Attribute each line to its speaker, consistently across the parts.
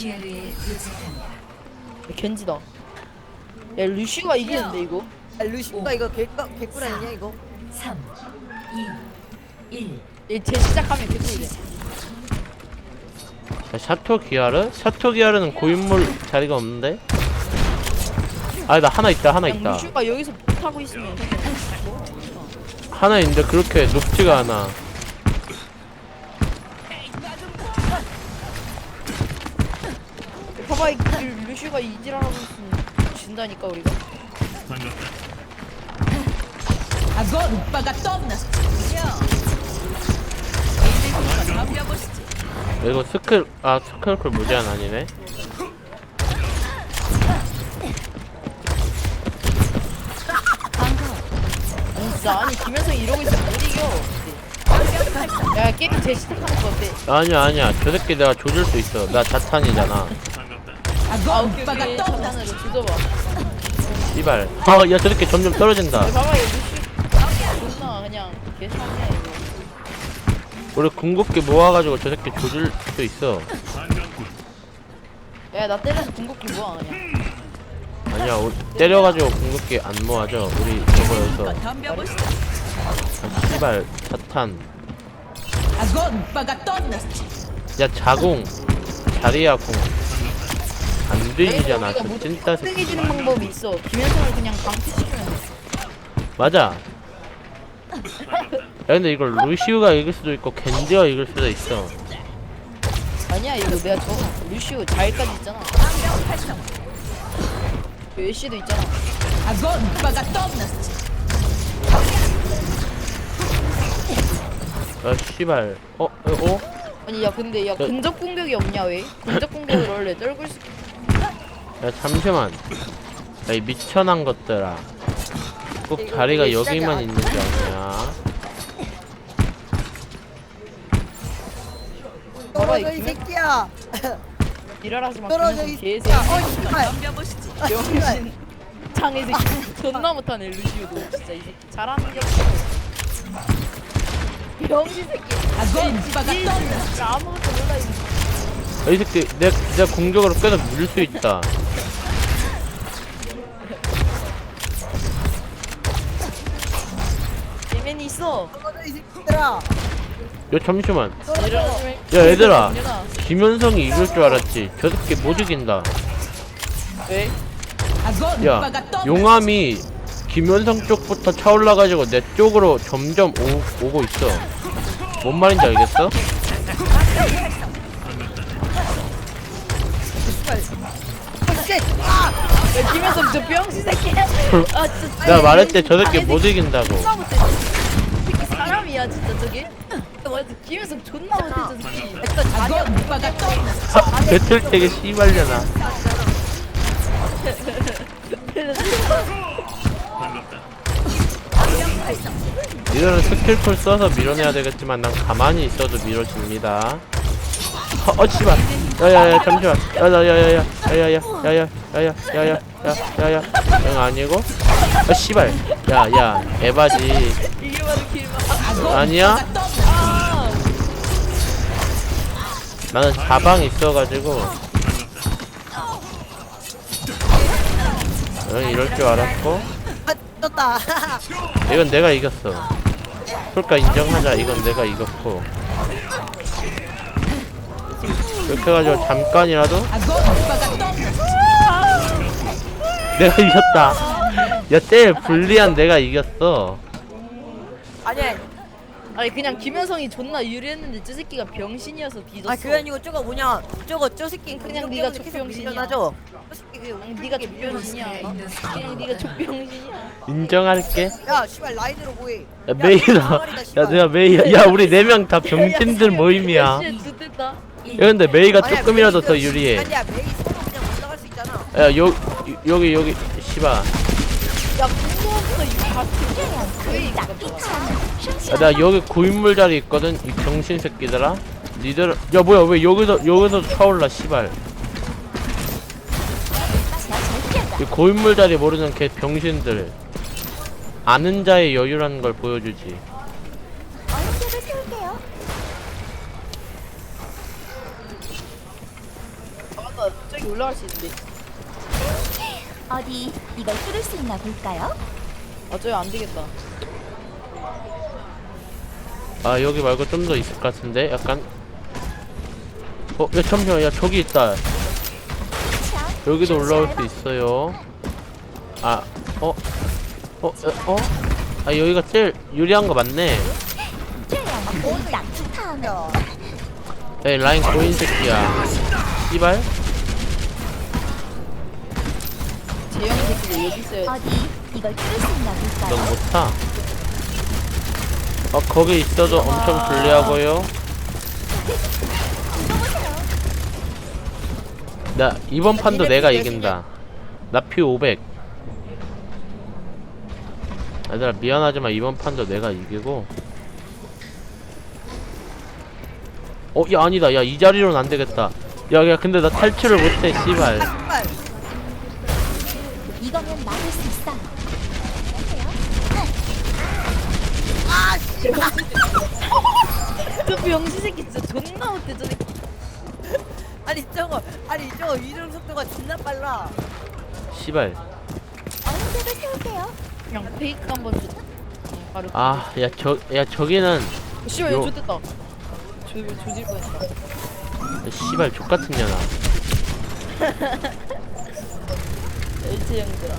Speaker 1: 기회를 놓쳤습니다.
Speaker 2: 겐지다. 야 루시가 이기는데 이거?
Speaker 3: 아, 루시가 이거 개꿀 아니냐 이거?
Speaker 1: 3, 2, 1.
Speaker 2: 얘 시작하면 개꿀이야.
Speaker 4: 샤토 기아르? 샤토 기아르는 고인물 자리가 없는데? 아니 나 하나 있다 하나
Speaker 2: 그냥
Speaker 4: 있다
Speaker 2: 루시가 여기서 못하고 있으면
Speaker 4: 하나 있는데 그렇게 높지가 않아.
Speaker 2: 봐봐 이 루시가 이질하고 있으면 진다니까 우리가.
Speaker 4: 이거 스크롤 무제한 아니네?
Speaker 2: 아니 김현성이 이러고 있으면 못 이겨. 야 게임 재시작하는 거 어때?
Speaker 4: 아니야 저 새끼 내가 조질 수 있어. 나 자탄이잖아.
Speaker 2: 오빠가 자탄으로 조져봐.
Speaker 4: 씨발. 야 저 새끼 점점 떨어진다.
Speaker 2: 야, 봐봐 얘 루시 존나 그냥 개상이야 이거.
Speaker 4: 우리 궁극기 모아가지고 저 새끼 조질 수 있어.
Speaker 2: 야 나 때려서 궁극기 뭐야 그냥.
Speaker 4: 아니야 때려가지고 궁극기 안 모아져. 우리 저거여서. 아 씨발 자탄. 야 자궁 자리야 궁 안 들리잖아. 그 찐따 새끼.
Speaker 2: 뜨개지는 방법이 있어. 김현성을 그냥 방치시키면 돼.
Speaker 4: 맞아. 야 근데 이걸 루시우가 이길 수도 있고 겐지가 이길 수도 있어.
Speaker 2: 아니야 이거 내가 저거 루시우 자일까지 있잖아. 그 애쉬도 있잖아.
Speaker 4: 아 씨발. 어?
Speaker 2: 아니 야 근데 야 근접 공격이 없냐 왜? 근접 공격을 원래 떨굴 수.
Speaker 4: 야 잠시만. 야 이 미천한 것들아. 꼭 자리가 여기만 있는 게 아니야.
Speaker 3: 떨어져 이 새끼야.
Speaker 2: 일하라지 마.
Speaker 3: 떨어져 이
Speaker 2: 개새.
Speaker 3: 새끼야. 씨발.
Speaker 2: 병신. 장애 새끼. 존나 못하네 루시우도 진짜 이 새끼. 잘하는 게 없어. 병신 새끼. 진짜 아무것도 몰라 이 새끼.
Speaker 4: 야, 이 새끼 내가 공격으로 계속 물릴 수 있다.
Speaker 2: 예맨이 있어.
Speaker 3: 떨어져 이 새끼들아.
Speaker 4: 야 잠시만.
Speaker 2: 일어나지 말.
Speaker 4: 야 얘들아.
Speaker 2: 일어나.
Speaker 4: 김현성이 이길 줄 알았지. 저 새끼 못 이긴다.
Speaker 2: 왜?
Speaker 4: 야 용암이 김현성 쪽부터 차올라가지고 내 쪽으로 점점 오고 있어. 뭔 말인지 알겠어?
Speaker 2: 야 김현성 저 병신 새끼. 아 진짜.
Speaker 4: 내가 말했지 저 새끼 못 이긴다고.
Speaker 2: 존나 못해. 새끼 사람이야 진짜 저게. 맞아 김현성 존나 못해 저 새끼. 일단 자기야 오빠가 또.
Speaker 4: 배틀택에 씨발려나. 이거는 스킬풀 써서 밀어내야 되겠지만 난 가만히 있어도 밀어집니다. 씨발. 야야야 잠시만. 야야야야야야야야야야야야야야야야 응 아니고? 씨발. 야야 에바지.
Speaker 2: 이게 바로 길마.
Speaker 4: 아니야? 나는 자방 있어가지고 응 이럴 줄 알았고.
Speaker 3: 아 떴다.
Speaker 4: 이건 내가 이겼어. 그러니까 인정하자. 이건 내가 이겼고. 이렇게 해가지고 잠깐이라도 내가 이겼다. 야 제일 불리한 내가 이겼어.
Speaker 3: 아니야.
Speaker 2: 아니 그냥 김현성이 존나 유리했는데 저 새끼가 병신이어서 뒤졌어.
Speaker 3: 아 그게 아니고 저거 뭐냐. 저 새끼
Speaker 2: 그냥 네가 족병신이야.
Speaker 3: 밀려나죠. 저 새끼
Speaker 2: 그냥 네가 족병신이야. 그냥 네가 족병신이야.
Speaker 4: 인정할게.
Speaker 3: 야 씨발 라인으로 뭐해.
Speaker 4: 야 메이다. 야 내가 메이야. 야 우리 4명 다 병신들 모임이야. 야
Speaker 2: 씨, 좋댔다.
Speaker 4: 근데 메이가
Speaker 3: 아니야,
Speaker 4: 조금이라도
Speaker 3: 메이
Speaker 4: 더 유리해.
Speaker 3: 아니야 메이 서로 그냥 올라갈 수 있잖아.
Speaker 4: 야 여기 씨발.
Speaker 2: 야 궁금해서 이거 다 듣잖아. 왜 이거
Speaker 4: 야, 나 여기 고인물 자리 있거든. 이 병신 새끼들아. 니들 야 뭐야 왜 여기서 차올라 씨발. 이 고인물 자리 모르는 개 병신들. 아는 자의 여유라는 걸 보여주지.
Speaker 2: 저기 올라갈 수 있는데.
Speaker 5: 어디 이걸 뚫을 수 있나 볼까요?
Speaker 2: 아 저기 안 되겠다.
Speaker 4: 아 여기 말고 좀 더 있을 것 같은데 약간. 야 잠시만, 야 저기 있다. 여기도 올라올 수 있어요. 아 여기가 제일 유리한 거 맞네.
Speaker 3: 야,
Speaker 4: 에이 라인 고인 새끼야. 씨발.
Speaker 2: 재영 새끼들 여기 있어요.
Speaker 5: 어디 이걸 뚫을 수 있나 볼까요?
Speaker 4: 넌 못타. 거기 있어도 엄청 불리하고요. 나 이번 판도 내가 이긴다. 나 피 500. 얘들아 미안하지만 이번 판도 내가 이기고. 야 아니다. 야 이 자리로는 안 되겠다. 야 근데 나 탈출을 못해 씨발.
Speaker 3: 정말.
Speaker 5: 이거면 막을 수 있어.
Speaker 2: 저 병신 새끼 진짜 존나 못해 저 새끼.
Speaker 3: 아니 저거 이동 속도가 진짜 빨라.
Speaker 4: 씨발.
Speaker 5: 어른들을 세울게요.
Speaker 2: 그냥 페이크 한번 줘. 바로.
Speaker 4: 야 저기는
Speaker 2: 씨발
Speaker 4: 요-
Speaker 2: 이거 좋댔다. 조질 뻔했다.
Speaker 4: 씨발 족같은 년아.
Speaker 2: 일체 형들아.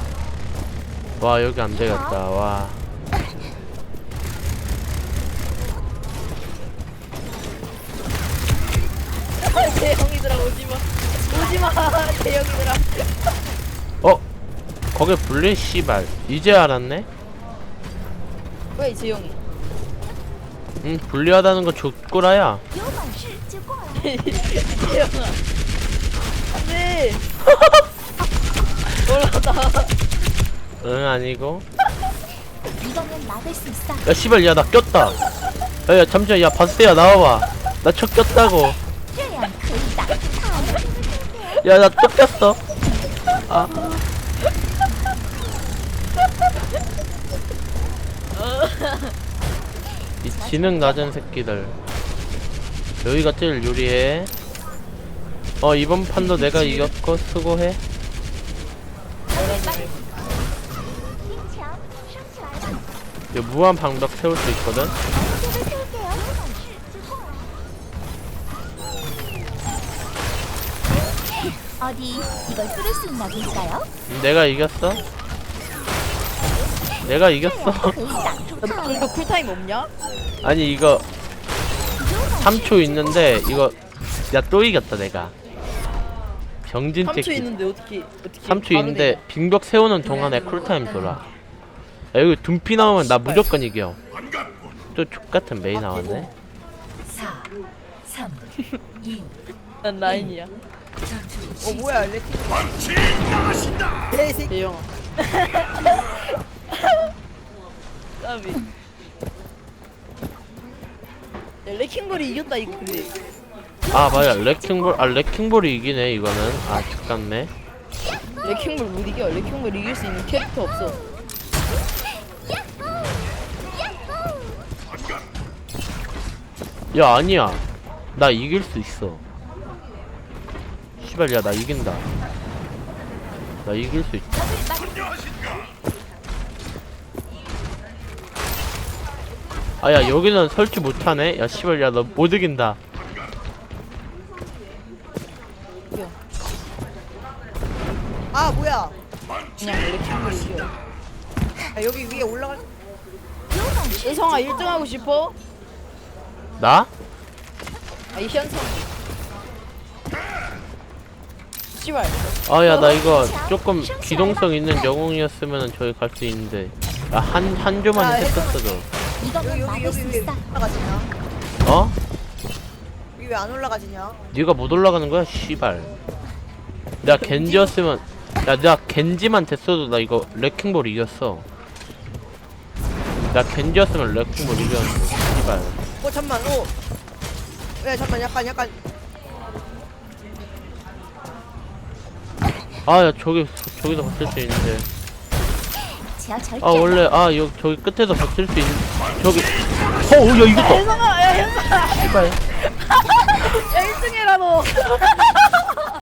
Speaker 4: 와 여기 안 되겠다. 와.
Speaker 2: 재영이들아 오지마. 오지마 재영이들아.
Speaker 4: 거기 불린 씨발. 이제 알았네.
Speaker 2: 왜 재영이?
Speaker 4: 응 불리하다는 거 족구라야.
Speaker 5: 有本事就过来。
Speaker 2: 재영아. 안돼. 올라다.
Speaker 4: 응 아니고.
Speaker 5: 이거면 막을 수 있어.
Speaker 4: 야 씨발 야 나 꼈다. 야 잠시만 야 바스야 나와봐. 나 쳐 꼈다고.
Speaker 5: 这样可以打他们。
Speaker 4: 야 나 또 꼈어. 아. 이 지능 낮은 새끼들. 여기가 제일 유리해. 이번 판도 내가 이겼고 수고해.
Speaker 5: 兵墙升起来了，
Speaker 4: 야, 무한 방벽 세울 수 있거든.
Speaker 5: 这边세울게요. 有本事就过来. 어디 이걸 뚫을 수 있나 볼까요?
Speaker 4: 내가 이겼어. 내가 이겼어.
Speaker 5: 可以挡住他们。
Speaker 2: 이거 쿨타임 없냐?
Speaker 4: 아니 이거 3초 있는데 이거 야 또 이겼다 내가. 병진
Speaker 2: 3초
Speaker 4: 새끼.
Speaker 2: 있는데 어떻게
Speaker 4: 3초
Speaker 2: 바로
Speaker 4: 있는데 빙벽 세우는 동안에 쿨타임 돌아. 야, 여기 둠피 나오면 나 무조건 이겨. 또 족같은 메이 나왔네.
Speaker 1: 4, 3, 2,
Speaker 2: 난 라인이야.
Speaker 1: 전투
Speaker 3: 뭐야 레킹. 내 새끼.
Speaker 2: 재영아. 까비. 야, 레킹볼이 이겼다 이거 근데.
Speaker 4: 아 맞아 레킹볼이 이기네 이거는. 아 족같네.
Speaker 2: 레킹볼 못 이겨. 레킹볼 이길 수 있는 캐릭터 없어.
Speaker 4: 야 아니야 나 이길 수 있어. 씨발 야 나 이긴다. 나 이길 수 있다. 아야 여기는 설치 못하네. 야 씨발 야 너 못 이긴다.
Speaker 2: 이겨.
Speaker 3: 아 뭐야?
Speaker 2: 그냥 레킹볼 이겨.
Speaker 3: 여기 위에 올라갈.
Speaker 2: 은성아 1등 하고 싶어?
Speaker 4: 나?
Speaker 2: 이 현성. 씨발.
Speaker 4: 아야 나 이거 조금 기동성 있는 영웅이었으면 저기 갈 수 있는데 한 조만 했었어도.
Speaker 5: 이거면 막을 수
Speaker 3: 여기 왜
Speaker 5: 있어.
Speaker 3: 올라가지냐?
Speaker 4: 어?
Speaker 3: 여기 왜 안 올라가지냐?
Speaker 4: 네가 못 올라가는 거야 씨발. 내가 겐지였으면 야 내가 겐지만 됐어도 나 이거 레킹볼 이겼어. 나 겐지였으면 레킹볼 이겼는데 씨발.
Speaker 3: 잠만. 야 잠만 약간.
Speaker 4: 아 야 저기서 버틸 수 있는데.
Speaker 5: 제가 절대
Speaker 4: 아 원래 여기 저기 끝에서 버틸 수 있는 저기. 야 이겼다.
Speaker 2: 현성아 야 현성아.
Speaker 4: 씨발.
Speaker 2: 야 1등 해라 너.